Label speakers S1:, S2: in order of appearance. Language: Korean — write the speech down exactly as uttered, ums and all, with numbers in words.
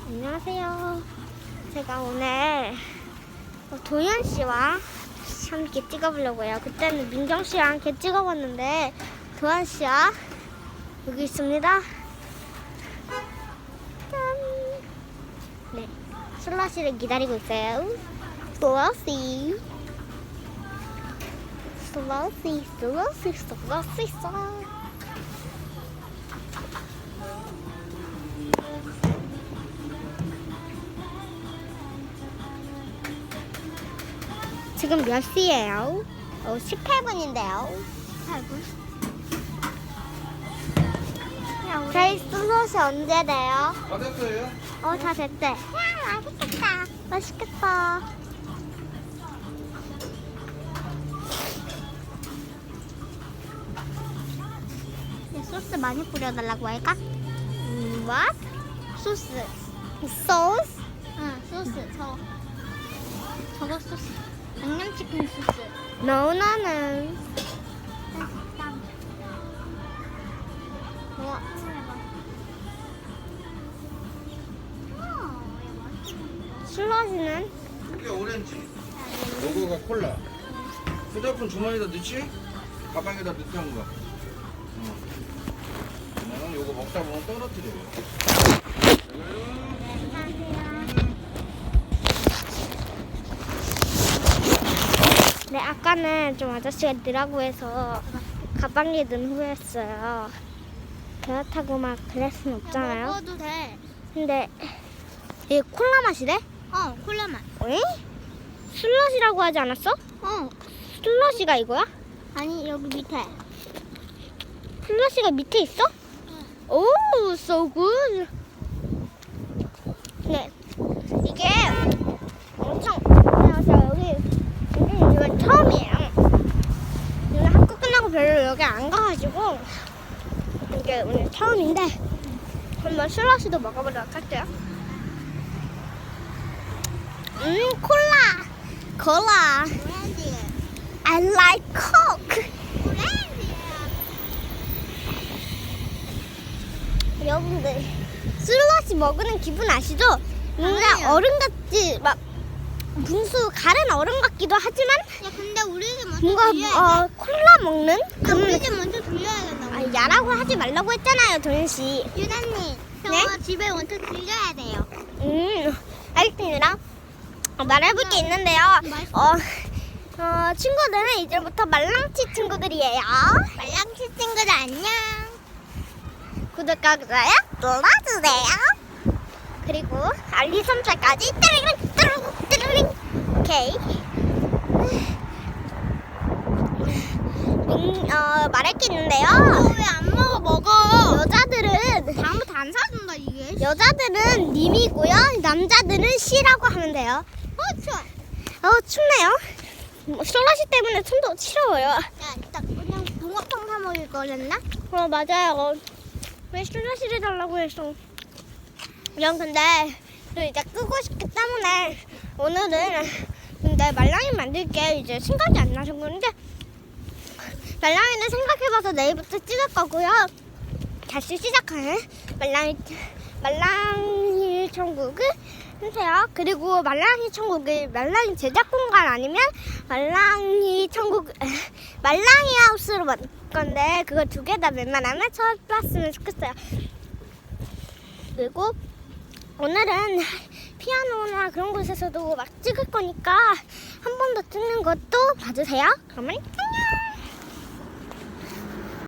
S1: 안녕하세요. 제가 오늘 도현 씨와 함께 찍어보려고 해요. 그때는 민경 씨랑 함께 찍어봤는데 도현 씨와 여기 있습니다. 짠! 네, 슬러시를 기다리고 있어요. 슬러시, 슬러시, 슬러시, 슬러시, 슬러시. 지금 몇 시예요? 어, 십팔 분인데요. 십팔 분? 저희 슬롯이 언제 돼요?
S2: 다 됐어요?
S1: 어, 다 됐대. 야, 맛있겠다. 맛있겠다. 소스 많이 뿌려달라고 할까? 음, what? 소스. 소스? 응, 소스. 저, 저거 소스. 양념치킨 소스. No, no, no. 와. 슬러지는?
S2: 이게 오렌지. 요거가 콜라. 휴대폰 주머니에다 넣지? 가방에다 넣던 거. 어. 그러면 요거 먹다 보면 떨어뜨려요.
S1: 네, 아까는 좀 아저씨가 넣으라고 해서 가방에 넣은 후였어요. 그렇다고 막 그럴 순 없잖아요.
S3: 먹어도 돼.
S1: 근데 이게 콜라 맛이래?
S3: 어, 콜라 맛.
S1: 에? 슬러시라고 하지 않았어?
S3: 어.
S1: 슬러시가 이거야?
S3: 아니, 여기 밑에.
S1: 슬러시가 밑에 있어? 오, so good. 네, 이게 엄청 저 여기 여기 이거 처음이에요. 오늘 학교 끝나고 별로 여기 안 가가지고 이게 오늘 처음인데 한번 슬러시도 먹어보도록 할게요. 음, 콜라, 콜라.
S3: 오렌지.
S1: I like Coke.
S3: 오렌지.
S1: 여러분들 슬러시 먹는 기분 아시죠? 뭔가
S3: 아니에요.
S1: 얼음 같지 막 분수 가른 얼음 같기도 하지만
S3: 야, 근데 우리 집 먼저
S1: 뭔가
S3: 돌려야 돼.
S1: 어, 콜라 먹는
S3: 야,
S1: 그런
S3: 우리
S1: 느낌.
S3: 집 먼저 돌려야 된다고.
S1: 아, 야라고 하지 말라고 했잖아요, 도현 씨.
S3: 유나님, 저
S1: 네?
S3: 집에 먼저 들려야 돼요.
S1: 음, 알겠습니다. 어, 말해볼 게 있는데요.
S3: 맛있어.
S1: 어, 어, 친구들은 이제부터 말랑치 친구들이에요.
S3: 말랑치 친구들 안녕.
S1: 구독과 좋아요 눌러주세요. 그리고 알림 설정까지 뚜루링 뚜루링 뚜루링. 오케이. 음, 어, 말할 게 있는데요.
S3: 왜 안 먹어? 먹어.
S1: 여자들은
S3: 다음부터 안 사준다, 이게.
S1: 여자들은 님이고요. 남자들은 씨라고 하면 돼요.
S3: 어, 좋아.
S1: 어, 춥네요. 뭐, 솔라시 때문에 손도 시려워요.
S3: 야, 딱 그냥 붕어빵 사 먹을 거랬나?
S1: 어, 맞아요. 왜 솔라시를 달라고 했어? 그냥 근데 또 이제 끄고 싶기 때문에 오늘은 근데 말랑이 만들 게 이제 생각이 안 나서 그런데 말랑이는 생각해봐서 내일부터 찍을 거고요. 다시 시작하는 말랑이 말랑이 천국을 해주세요. 그리고 말랑이 천국을 말랑이 제작 공간 아니면 말랑이 천국 말랑이 하우스로 만들 건데 그거 두 개 다 웬만하면 쳐봤으면 좋겠어요. 그리고 오늘은 피아노나 그런 곳에서도 막 찍을 거니까 한 번 더 찍는 것도 봐주세요. 그러면 안녕.